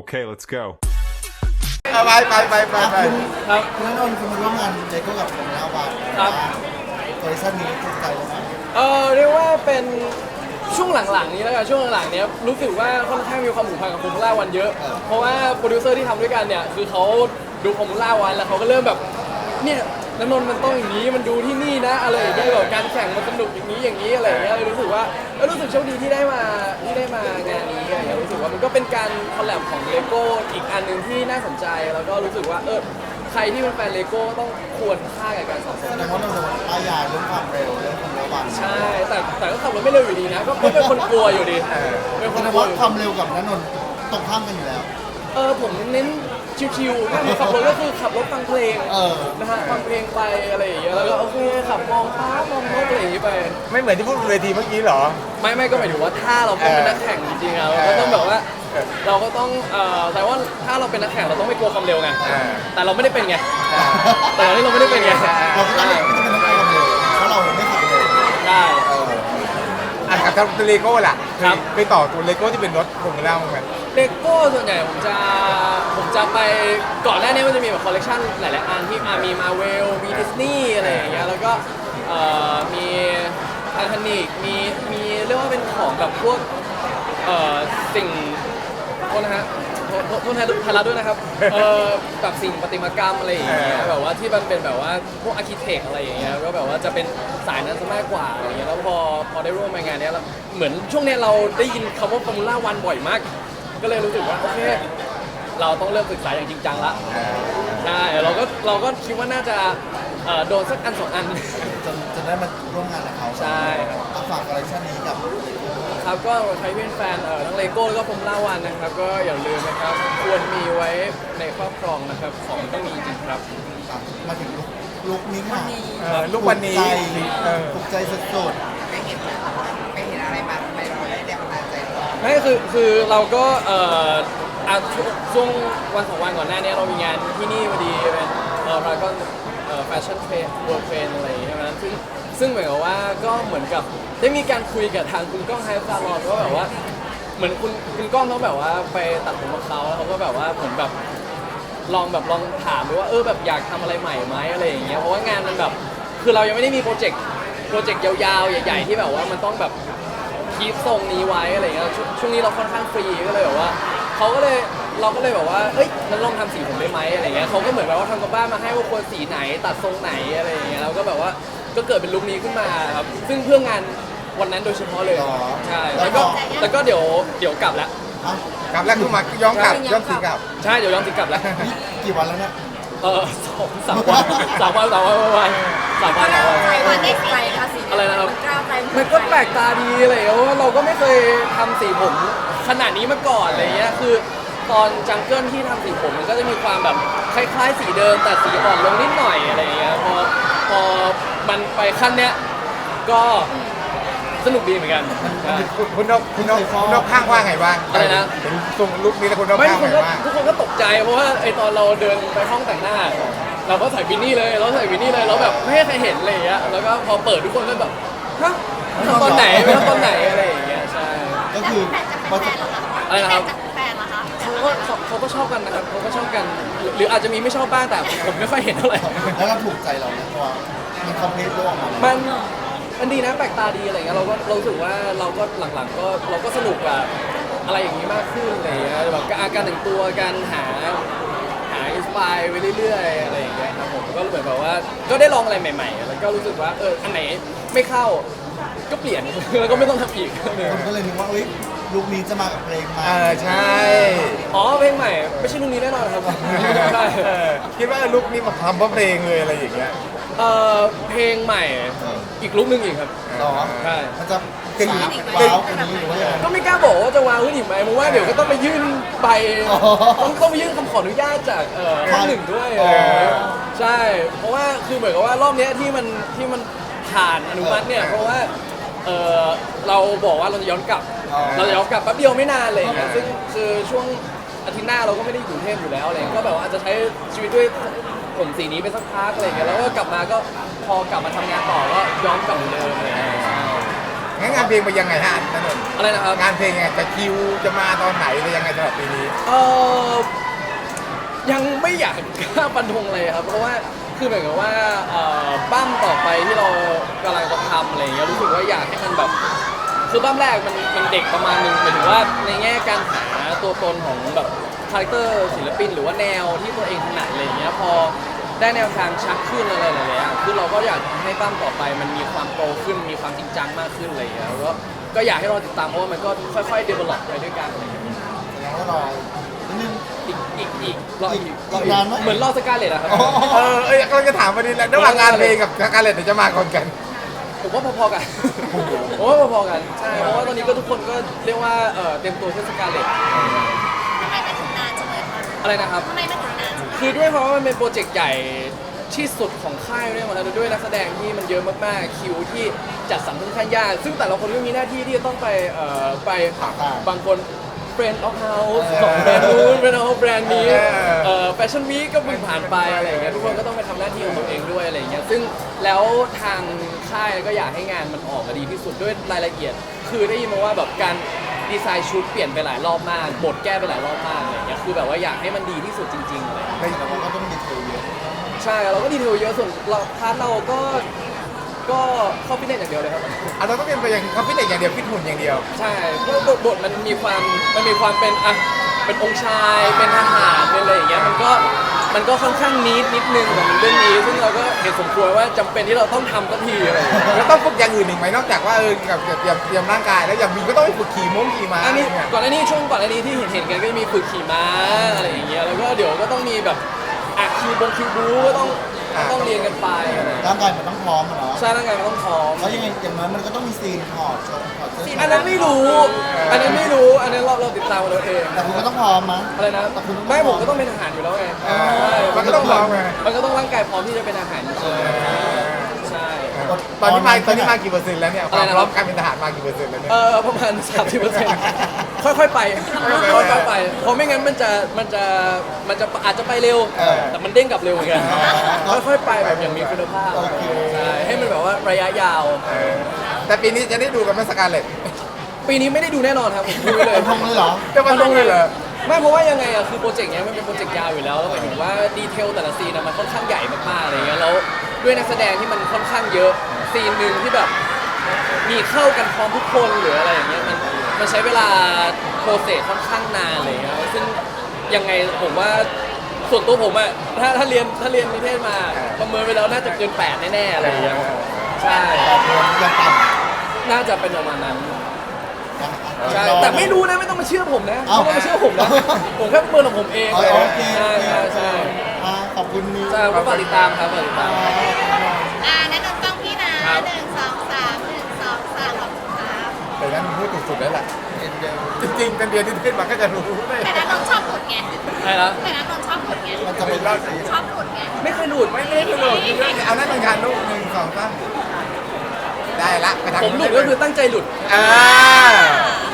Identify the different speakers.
Speaker 1: Okay, let's go.
Speaker 2: ไป
Speaker 3: ครับ
Speaker 2: คุณนั่นนนท์คุณมาร่วมงานเลโก้กับผมแล้วว่า
Speaker 3: ครับ
Speaker 2: คอลเลคชันนี้ถูกใจแล้วนะ
Speaker 3: เรียกว่าเป็นช่วงหลังๆนี้แล้วกันช่วงหลังๆเนี้ยรู้สึกว่าค่อนข้างมีความผูกพันกับฟอร์มูล่าวันเยอะ เพราะว่าโปรดิวเซอร์ที่ทำด้วยกันเนี่ยคือเขาดูฟอร์มูล่าวันแล้วเขาก็เริ่มแบบเนี่ยณนนท์มันต้องอย่างนี้มันดูที่นี่นะอะไรอย่างเงี้ยแบบการแข่งมันสนุกอย่างนี้อะไรอย่างเงี้ยเลยรู้สึกว่ารู้สึกโชคดีที่ได้มางานนี้อะไรอย่างเงี้ยรู้สึกว่ามันก็เป็นการคอลแลบของเลโก้อีกอันหนึ่งที่น่าสนใจแล้วก็รู้สึกว่าใครที่เป็นแฟนเลโก้ต้องควรค่ากับการสะส
Speaker 2: แส
Speaker 3: ม
Speaker 2: ดงว่าเราจะป้ายยาเรื่องความเร็วเรื่องความเร็ววัน
Speaker 3: ใช่แต่ก็ขับรถไม่เร็วอยู่ดีนะก็เป็นคนกลัวอยู่ดีเป็นค
Speaker 2: แส
Speaker 3: น
Speaker 2: ดง
Speaker 3: กลัว
Speaker 2: ว่า
Speaker 3: อยู่
Speaker 2: ความเร็วกับนันนนท์ตรงข้ามกันอยู่แล้ว
Speaker 3: ผมเน้นชิวๆถ้าขับรถก็คือขับรถฟังเพลง
Speaker 2: เออ
Speaker 3: นะฮะฟังเพลงไปอะไรอย่างเงี้ยแล้วก็โอเคขับมองฟ้ามองนกอะไรอย่างงี้ไป
Speaker 4: ไม่เหมือนที่พูดบนเวทีเมื่อกี้เหรอ
Speaker 3: ไม่ก็หมายถึงว่าถ้าเราเป็นนักแข่งจริงๆอะเราก็ต้องแบบว่าเราก็ต้องแต่ว่าถ้าเราเป็นนักแข่งเราต้องไม่กลัวความเร็วไง แต่เราไม่ได้เป็นไงแต่ตอนนี้เราไม่ได้เป็นไง
Speaker 2: เราก็ไม่จำเป็นต้องไปความเร็วเพราะเราไม่ขับเร็ว
Speaker 3: ได้
Speaker 4: อ่ะกับทางเลโก้ล่ะ
Speaker 3: ครับ
Speaker 4: ไปต่อตัวเลโก้ที่เป็นรถฟอร์มูล่ามั้างไหม
Speaker 3: เลโก้ส่วนใหญ่ผมจะไปก่อนหน้านี้มันจะมีแบบคอลเลกชันหลายๆอันที่มีมาเวลมีดิสนีย์อะไรอย่างเงี้ยแล้วก็มีไททานิกมีเรียกว่าเป็นของแบบพวกสิ่งโทษนะฮะโทษไทยรัฐด้วยนะครับแบบสิ่งประติมากรรมอะไรอย่างเงี้ยแบบว่าที่มันเป็นแบบว่าพวกอาร์คิเทคอะไรอย่างเงี้ยก็แบบว่าจะเป็นสายนั้นซะมากกว่าอะไรอย่างเงี้ยแล้วพอได้ร่วมงานเนี้ยแล้วเหมือนช่วงเนี้ยเราได้ยินคำว่าฟอร์มูล่าวันบ่อยมาก ก็เลยรู้สึกว่าโอเคเราต้องเริ่มศึกษาอย่างจริงจังละใช่เราก็คิดว่าน่าจะโดนสักอันสองอัน
Speaker 2: จนได้มาร่วมงานกับเขา
Speaker 3: ใช่ครับ
Speaker 2: ฝากคอลเลคชันนี้กับ
Speaker 3: ครับก็ใครเป็นแฟนทั้งเลโก้แล้วก็ฟอร์มูล่าวันนะครับก็อย่าลืมนะครับควรมีไว้ในครอบครองนะครับของต้องมีจริงๆครับ
Speaker 2: มาถึงลุคนี้ค่ะ
Speaker 4: ลูกวันนี้
Speaker 2: ถูกใจสุด
Speaker 5: ไปเห็นอะไรมาทำไมเราได้แรงบันดาลใจ
Speaker 3: ไม่คือเราก็ช่วงวันสองวันก่อนหน้านี้เรามีงานที่นี่พอดีเป็นพารากอนแฟชั่นเทรนเวิร์เทรนอะไรอย่างเงี้ยใช่ไหมซึ่งเหมือนกับว่าก็เหมือนกับได้มีการคุยกับทางคุณก้องไฮฟาร์ลอนว่าแบบว่าเหมือนคุณก้องเขาแบบว่าไปตัดผมกับเขาแล้วเขาก็แบบว่าเหมือนแบบลองถามดูว่าแบบอยากทำอะไรใหม่ไหมอะไรอย่างเงี้ยเพราะว่างานมันแบบคือเรายังไม่ได้มีโปรเจกต์ยาวๆใหญ่ๆที่แบบว่ามันต้องแบบคีปทรงนี้ไว้อะไรอย่างเงี้ยช่วงนี้เราค่อนข้างฟรีก็เลยแบบว่าเราก็เลยแบบว่างั้นลองทำสีผมได้ไหมอะไรเงี้ยเขาก็เหมือนแบบว่าทำกับบ้านมาให้ว่าควรสีไหนตัดทรงไหนอะไรอย่างเงี้ยแล้วก็แบบว่าก็เกิดเป็นลุคนี้ขึ้นมาครับซึ่งเพื่องานวันนั้นโดยเฉพาะเลยใช่แล้วก็เดี๋ยวกลับแล้ว
Speaker 2: ๆอ่ะ
Speaker 4: กลับแล้วคือมาย้อนกลับย้อนสีกลับ
Speaker 3: ใช่เดี๋ยวย้อนติกลับแล้ว
Speaker 2: นี่กี่วันแล้วเนี่ย
Speaker 3: 3 วันประมาณ3 วัน
Speaker 5: ใครวันได้ใจคะสี
Speaker 3: อะไรนะครับ
Speaker 5: กล้าวใจ
Speaker 3: มันก็แปลกตาดีอะไรอย่างเงี้ยเพราะว่าเราก็ไม่เคยทำสีผมขนาดนี้มาก่อนอะไรเงี้ยคือตอนจังเกิลที่ทำสีผมมันก็จะมีความแบบคล้ายๆสีเดิมแต่สีอ่อนลงนิดหน่อยอะไรอย่างเงี้ยพอมันไปขั้นเนี้ยก็สนุกดีเหมือนกันใช่
Speaker 4: คุณนกข้างว่าไงบ้าง
Speaker 3: อะไรนะ
Speaker 4: เห็นทรงลุคนี้แล้วคุณนก
Speaker 3: ไม่
Speaker 4: ข้าง
Speaker 3: ทุก
Speaker 4: ไง
Speaker 3: คน
Speaker 4: บ้าง
Speaker 3: ทุกคนก็ตกใจเพราะว่าไอตอนเราเดินไปห้องแต่งหน้า เราก็ใส่บินนี่เลยแล้วแบบไม่ให้ใครเห็นอะไรอย่างเงี้ยแล้วก็พอเปิดทุกคนก็แบบฮะทำตอนไหนไม่ทำตอนไหนอะไรอย่างเงี้ยใช่
Speaker 2: ก็คือพอจะ
Speaker 3: อะไรนะครับ
Speaker 5: แฟนเหรอคะ
Speaker 3: เขาก็ชอบกันนะครับเขาก็ชอบกันหรืออาจจะมีไม่ชอบบ้างแต่ผมไม่ค่อยเห็นเท่าไหร่
Speaker 2: แล้วเราถูกใจเราเนี่ยเพราะว่ามันคอมเพลตโลกออกมา
Speaker 3: มันดีนะแปลกตาดีอะไรเงี้ยเรารู้สึกว่าเราก็หลังๆก็เราก็สนุกกับอะไรอย่างนี้มากขึ้นอะไรเงี้ยแบบการแต่งตัวการหาอินสปายไปเรื่อยๆอะไรอย่างเงี้ยครับผมก็เหมือนแบบว่าก็ได้ลองอะไรใหม่ๆแล้วก็รู้สึกว่าอันไหนไม่เข้าก็เปลี่ยน แล้วก็ไม่ต้องทำอีก
Speaker 2: คนก็เลยนึกว่าลุคนี้จะมากับเพลงมา
Speaker 4: ใช่
Speaker 3: อ๋อเพลงใหม่ไม่ใช่ลุงนี้แน่นอนครับใช่
Speaker 4: คิดว่าลุคนี้มาทำเพราะเพลงเลยอะไรอย่างเงี้ย
Speaker 3: เพลงใหม่อีกลุกหนึ่งอีกครับ
Speaker 2: หรอ
Speaker 3: ใช่
Speaker 2: มันจะสาวว้าวกว่านี้หรือว่ายังไง
Speaker 3: ก็ไม่กล้าบอกว่าจะวางขึ้นอีกไหมเพราะว่าเดี๋ยวก็ต้องไปยื่นใบ
Speaker 2: อ๋อ
Speaker 3: ต้องไปยื่นคำขออนุญาตจากข้างหนึ่งด้วย
Speaker 2: อ๋อ
Speaker 3: ใช่เพราะว่าคือเหมือนกับว่ารอบเนี้ยที่มันผ่านอนุมัติเนี่ยเพราะว่าเราบอกว่าเราจะย้อนกลับแป๊บเดียวไม่นานเลยนะซึ่งคือช่วงอาทิตย์หน้าเราก็ไม่ได้อยู่กรุงเทพอยู่แล้วอะไรก็แบบว่าอาจจะใช้ชีวิตด้วยผมสีนี้ไปสักพักอะไรเงี้ยแล้วก็กลับมาก็พอกลับมาทำงานต่อก็ย้อนกลับเหมือนเดิมอะไรเลย
Speaker 4: งั้นงานเพลงไปยังไงฮะนั่นเอง
Speaker 3: อะไรนะครับ
Speaker 4: งานเพลงไงจะคิวจะมาตอนไหนหรือยังไงสำหรับปีนี้
Speaker 3: เออยังไม่อยากกล้าฟันธงเลยครับเพราะว่าคือเหมือนกับว่าบั้มต่อไปที่เรากำลังจะทำอะไรอย่างเงี้ยรู้สึกว่าอยากให้มันแบบคือบั้มแรกมันเด็กประมาณนึงหมายถึงว่าในแง่การหาตัวตนของแบบคาแรคเตอร์ศิลปินหรือว่าแนวที่ตัวเองถนัดอะไรอย่างเงี้ยพอได้แนวทางชัดขึ้นอะไรหลายๆอย่างคือเราก็อยากให้บั้มต่อไปมันมีความโตขึ้นมีความจริงจังมากขึ้นอะไรอย่างเงี้ยแล้วก็อยากให้เราติดตามเพราะว่ามันก็ค่อยๆ develop ไปด้วยกันอะไรอย่างเงี้ย
Speaker 2: แสดงว่าเรานิดนึง
Speaker 3: อีกรออีก
Speaker 2: อีกนานไหม
Speaker 3: เหมือนรอสกาเลตอะครับ
Speaker 2: อ๋อ
Speaker 4: เอ้ยกำลังจะถามวันนี้แหละระหว่างงานเพลงกับการเล่นเดี๋ยวจะมาก่อนกัน
Speaker 3: ผมว่าพอๆกันผมว่าพอๆกันใช่เพราะว่าตอนนี้ก็ทุกคนก็เรียกว่าเตรียมตัวเทศกาลเลต
Speaker 1: ทำไมมันถึงนานจังเลยคะ
Speaker 3: อะไรนะครับ
Speaker 1: ทำไมมันถึงนานจังเลย
Speaker 3: คือด้วยเพราะว่ามันเป็นโปรเจกต์ใหญ่ที่สุดของค่ายด้วยมาแล้วด้วยนักแสดงที่มันเยอะมากๆคิวที่จัดสรรค่อนข้างยากซึ่งแต่ละคนก็มีหน้าที่ที่จะต้องไปบางคน Friend of House ของแบรนด์นู้น Friend of แบรนด์นี้แฟชั่นวีคก็เพิ่งผ่านไปอะไรอย่างเงี้ยทุกคนก็ต้องไปทำหน้าที่ของตัวเองด้วยอะไรอย่างเงี้ยซึ่งแล้วทางค่ายก็อยากให้งานมันออกมาดีที่สุดด้วยรายละเอียด คือได้ยินมาว่าแบบการดีไซน์ชุดเปลี่ยนไปหลายรอบมากบทแก้ไปหลายรอบมากอะไรอย่างเงี้ยคือแบบว่าอยากให้มันดีที่สุดจริงๆอะไรอย่างเงี้ย
Speaker 2: แต่ว่าก็ต้องดีเทลเยอะ
Speaker 3: ใช่เราก็ดีเทลเยอะส่วนเราพาร์ทเราก็เข้าฟิตเนสอย่างเดียวเลยครับ
Speaker 4: เราต้องเป็นไปอย่างเขาฟิตเนสอย่างเดียวฟิตหุ่นอย่างเดียว
Speaker 3: ใช่เพราะบทมันมีความเป็นเป็นองค์ชายเป็นทหารเป็นอะไรอย่างเงี้ยมันก็ค่อนข้างนิดนึงของเรื่องนี้ซึ่งเราก็เห็นสมควรว่าจำเป็นที่เราต้องทำสักทีอะไรอย่างเงี้ย
Speaker 4: แล้วต้องฝึกอย่างอื่นอีกไหมนอกจากว่ากับเตรียมร่างกายแล้วอย่างมีก็ต้องไปฝึกขี่ม้า
Speaker 3: อันนี้
Speaker 4: เนี่ย
Speaker 3: ก่อนอันนี้ช่วงก่อนอันนี้ที่เห็นกันก็จะมีฝึกขี่ม้าอะไรอย่างเงี้ยแล้วก็เดี๋ยวก็ต้องมีแบบคิวบูก็ต้องเรียนกันไปอะไรอย่างเงี้ย
Speaker 2: ร่างกายมันต้องพร้อมอะเนาะ
Speaker 3: ใช่ร่างกายมันต้องพร้อม
Speaker 2: แล้วยังไงอย่างนั้นมันก็ต้องมีซีนถอดเสื้อ
Speaker 3: อันนั้นไม่รู้ อันนั้นเราติดตามเราเอง
Speaker 2: แต่คุณก็ต้องพร้อมมั้ย
Speaker 3: อะไรนะ
Speaker 2: แต่คุณต้อง
Speaker 3: ไม่ผมก็ต้องเป็นทหารอยู่แล้วไงใช่
Speaker 4: มันก็ต้องพร้อมไง
Speaker 3: มันก็ต้องร่างกายพร้อมที่จะเป็นทหารจริงๆใช่
Speaker 4: ตอนนี้มากี่เปอร์เซ็นต์แล้วเนี่ยความพร้อมการเป็นทหารมากี่เปอร์เซ็นต์แล้วเนี่ย
Speaker 3: ประมาณ 30%ค่อยๆไปค่อยๆไปเพราะไม่งั้นมันจะอาจจะไปเร็ว แต่มันเด้งกลับเร็วเหมือนกันค่อยๆไปแบบอย่างมีคุณภาพใช่ให้มันแบบว่าระยะยาว
Speaker 4: แต่ปีนี้จะได้ดูกันไหมสกาเลต
Speaker 3: ปีนี้ไม่ได้ดูแน่นอนครับผมพูดไว้เลย
Speaker 2: เป็นพงเลยเหรอ
Speaker 4: จะมาลงเลยเหรอ
Speaker 3: ไม่เพราะว่ายังไงอะคือโปรเจกต์เนี้ยมันเป็นโปรเจกต์ยาวอยู่แล้วแล้วหมายถึงว่าดีเทลแต่ละซีนอะมันค่อนข้างใหญ่มากๆอะไรเงี้ยแล้วด้วยนักแสดงที่มันค่อนข้างเยอะซีนหนึ่งที่แบบมีเข้ากันพร้อมทุกคนหรืออะไรอย่างเงี้ยมันใช้เวลาโปรเซสค่อนข้างนานอะไรเลยซึ่งยังไงผมว่าส่วนตัวผมอะถ้าเรียนนิเทศมาประเมินไปแล้วน่าจะเกิน8แน่ๆอะไรอย่างเงี้ยใช่
Speaker 2: แต่เพลงยังต่ำ
Speaker 3: น่าจะเป็นประมาณนั้น ใช่
Speaker 2: รอ
Speaker 3: แต่ไม่รู้นะไม่ต้องมาเชื่อผมนะ
Speaker 2: เอ้า
Speaker 3: ไม่ต้องมาเชื่อผมนะ ผมแค่ประเมินของผมเอง
Speaker 2: โอเค
Speaker 3: ใช่ใช่
Speaker 2: ขอบคุณนิว
Speaker 3: ใช่ก็ฝากติดตามครับฝากติดตาม
Speaker 1: แนะนำกล้องพี่นะครับ 1 2 3 1 2 3ขอบคุณครับ
Speaker 4: แต่นั้นพูดถูกสุดแล้วแหละ
Speaker 2: เอ็นเดล
Speaker 4: จริงๆเป็นเรียนที่เทศมาก็จะรู้เลย
Speaker 1: แต่นั้นนนท์ชอบหลุดไง
Speaker 3: ใช่แล้ว
Speaker 1: แต่นั้นนนท์ชอบหลุดไง
Speaker 2: มันจะเป็นรอบสี
Speaker 1: ชอบหลุดไง
Speaker 3: ไม่เคยหลุด
Speaker 4: ไม่ได้หลุดเอานั่นเป็นการลูก1 2 3ได้ละไปทาง
Speaker 3: ผมหลุดก็คือตั้งใจหลุด
Speaker 4: อ่า